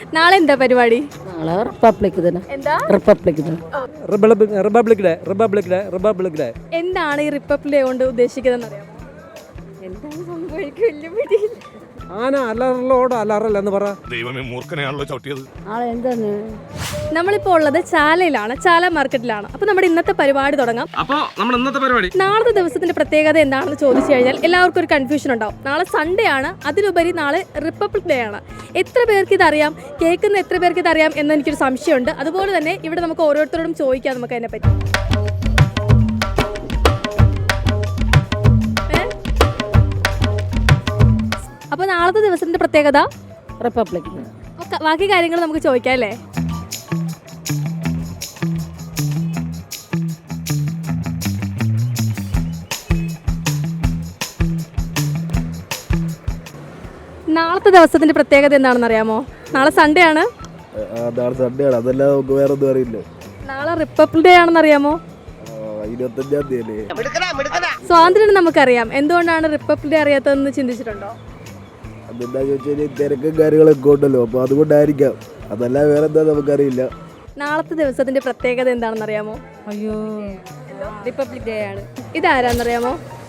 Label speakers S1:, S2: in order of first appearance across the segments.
S1: നാളെ എന്താ പരിപാടി?
S2: നാളെ റിപ്പബ്ലിക് ദിനം.
S1: എന്താ
S2: റിപ്പബ്ലിക് ദിനം.
S3: Republic day.
S1: എന്താണ് ഈ റിപ്പബ്ലിക് ഡേ കൊണ്ട് ഉദ്ദേശിക്കുന്നത് അറിയാമോ?
S2: എന്താണ് സംഭവിക്കും വലിയ പിടിയില്ല.
S3: ആന അലറലോട് അലറൽ എന്ന് പറ.
S4: ദൈവമേ മൂർഖനെയാണല്ലോ ചവിട്ടിയത്.
S2: നാളെ എന്താണ്?
S1: നമ്മളിപ്പോൾ ഉള്ളത് ചാലയിലാണ്, ചാല മാർക്കറ്റിലാണ്. അപ്പോൾ നമ്മുടെ ഇന്നത്തെ പരിപാടി തുടങ്ങാം.
S3: അപ്പോൾ നമ്മുടെ ഇന്നത്തെ പരിപാടി
S1: നാളത്തെ ദിവസത്തിന്റെ പ്രത്യേകത എന്താണെന്ന് ചോദിച്ചു കഴിഞ്ഞാൽ എല്ലാവർക്കും ഒരു കൺഫ്യൂഷൻ ഉണ്ടാവും. നാളെ സൺഡേ ആണ്, അതിലുപരി നാളെ റിപ്പബ്ലിക് ഡേ ആണ്. എത്ര പേർക്ക് ഇതറിയാം, കേൾക്കുന്ന എത്ര പേർക്ക് ഇതറിയാം എന്ന് എനിക്കൊരു സംശയമുണ്ട്. അതുപോലെ തന്നെ ഇവിടെ നമുക്ക് ഓരോരുത്തരോടും ചോദിക്കാം നമുക്ക് അതിനെപ്പറ്റി. അപ്പോൾ നാളത്തെ ദിവസത്തിന്റെ പ്രത്യേകത
S2: റിപ്പബ്ലിക് ദിനം.
S1: ബാക്കി കാര്യങ്ങൾ നമുക്ക് ചോദിക്കാം അല്ലേ? നാളത്തെ ദിവസത്തിന്റെ പ്രത്യേകത എന്താണെന്ന് അറിയാമോ? നാളെ സൺഡേ ആണ്.
S5: അതല്ലാതെ നമുക്ക് വേറെ ഒന്നും അറിയില്ല.
S1: നാളെ റിപ്പബ്ലിക് ഡേ ആണെന്ന് അറിയാമോ?
S5: 25-ാം തീയതി
S1: സ്വാതന്ത്ര്യം നമുക്കറിയാം. എന്തുകൊണ്ടാണ് റിപ്പബ്ലിക് ഡേ അറിയാത്തതെന്ന് ചിന്തിച്ചിട്ടുണ്ടോ?
S5: അതെന്താ ചോദിച്ചാൽ തിരക്കും കാര്യങ്ങളൊക്കെ ഉണ്ടല്ലോ, അപ്പോൾ അതുകൊണ്ടായിരിക്കാം. അതല്ല വേറെ എന്താ നമുക്കറിയില്ല.
S1: നാളത്തെ ദിവസത്തിന്റെ പ്രത്യേകത എന്താണെന്ന് അറിയാമോ?
S2: അയ്യോ, റിപ്പബ്ലിക് ഡേ ആണ്.
S1: ഇതാരാന്നറിയാമോ?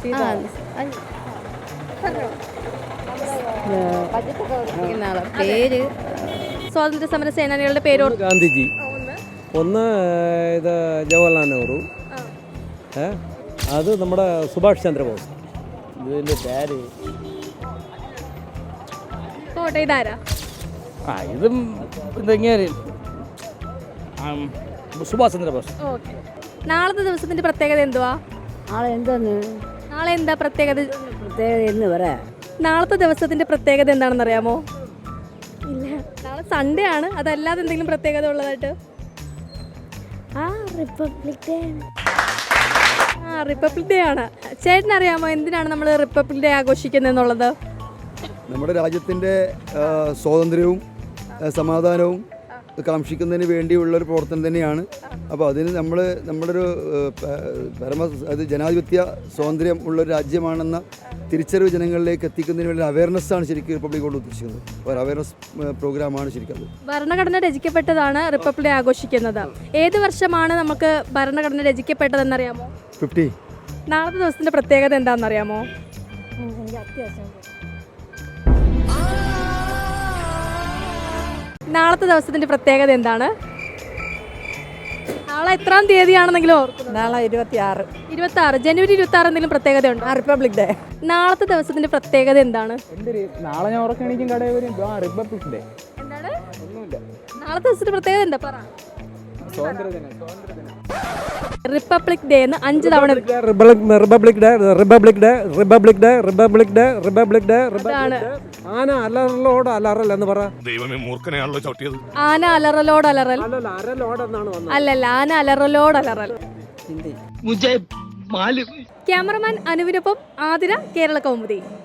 S2: പേര്
S1: സ്വാതന്ത്ര്യ സമര സേനാനികളുടെ പേര്
S3: ഗാന്ധിജി, ഒന്ന് ഇത് ജവഹർലാൽ നെഹ്റു, അത് നമ്മുടെ സുഭാഷ് ചന്ദ്രബോസ്. ഇതിൻ്റെ പേര്
S1: പോട്ടെ. ഇതാരാ?
S3: ഇതും ഇതെങ്ങനെ സുഭാഷ് ചന്ദ്രബോസ്.
S1: ഓക്കെ. നാളത്തെ ദിവസത്തിന്റെ പ്രത്യേകത എന്തുവാ?
S2: നാളെ എന്താണ്?
S1: നാളെ എന്താ പ്രത്യേകത?
S2: പ്രത്യേകത എന്ന് പറയാം.
S1: നാളത്തെ ദിവസത്തിന്റെ പ്രത്യേകത എന്താണെന്ന് അറിയാമോ? ഇല്ല. നാളെ സൺഡേ ആണ്, അതല്ലാതെ എന്തെങ്കിലും പ്രത്യേകത ഉള്ളതായിട്ട്?
S2: Republic day.
S1: റിപ്പബ്ലിക് ഡേ ആണ്. ചേട്ടനറിയാമോ എന്തിനാണ് നമ്മൾ റിപ്പബ്ലിക് ഡേ ആഘോഷിക്കുന്നത് എന്നുള്ളത്?
S5: നമ്മുടെ രാജ്യത്തിൻ്റെ സ്വാതന്ത്ര്യവും സമാധാനവും കാക്ഷിക്കുന്നതിന് വേണ്ടിയുള്ളൊരു പ്രവർത്തനം തന്നെയാണ്. അപ്പോൾ അതിന് നമ്മുടെ ഒരു അത് ജനാധിപത്യ സ്വാതന്ത്ര്യം ഉള്ളൊരു രാജ്യമാണെന്ന തിരിച്ചറിവ് ജനങ്ങളിലേക്ക് എത്തിക്കുന്നതിന് വേണ്ടി അവയർനെസ്സാണ് ശരിക്കും റിപ്പബ്ലിക് കൊണ്ട് ഉദ്ദേശിക്കുന്നത്. ഒരു അവയർനെസ് പ്രോഗ്രാമാണ് ശരിക്കും അത്.
S1: ഭരണഘടന രചിക്കപ്പെട്ടതാണ് റിപ്പബ്ലിക് ഡേ ആഘോഷിക്കുന്നത്. ഏത് വർഷമാണ് നമുക്ക് ഭരണഘടന രചിക്കപ്പെട്ടതെന്നറിയാമോ?
S5: 50.
S1: നാളത്തെ ദിവസത്തിന്റെ പ്രത്യേകത എന്താണെന്നറിയാമോ? നാളത്തെ ദിവസത്തിന്റെ പ്രത്യേകത എന്താണ്? നാളെ എത്രാം തീയതിയാണെന്നെങ്കിലും ഓർക്കുന്നു?
S2: നാളെ 26.
S1: 26 ജനുവരി 26 എന്തെങ്കിലും പ്രത്യേകത ഉണ്ടോ?
S2: Republic day.
S1: നാളത്തെ ദിവസത്തിന്റെ പ്രത്യേകത എന്താണ്?
S3: നാളെ ഞാൻ ഉറക്കണിക്കും കടയിൽ വരും. Republic day.
S1: എന്താണ് നാളത്തെ ദിവസത്തിന്റെ പ്രത്യേകത? എന്താ പറ. റിപ്പബ്ലിക് ഡേ എന്ന് 5 തവണ.
S3: Republic day, republic day, republic day, republic day, republic day, republic day. ആന അലറലോട് അലറൽ എന്ന് പറ.
S4: ദൈവമേ മൂർഖനെയാണല്ലോ ചവിട്ടിയത്.
S1: ആന അലറലോട് അലറൽ. അല്ലല്ല, ആന അലറലോട് അലറൽ. ക്യാമറമാൻ അനുവിനൊപ്പം ആതിര, കേരള കൗമുദി.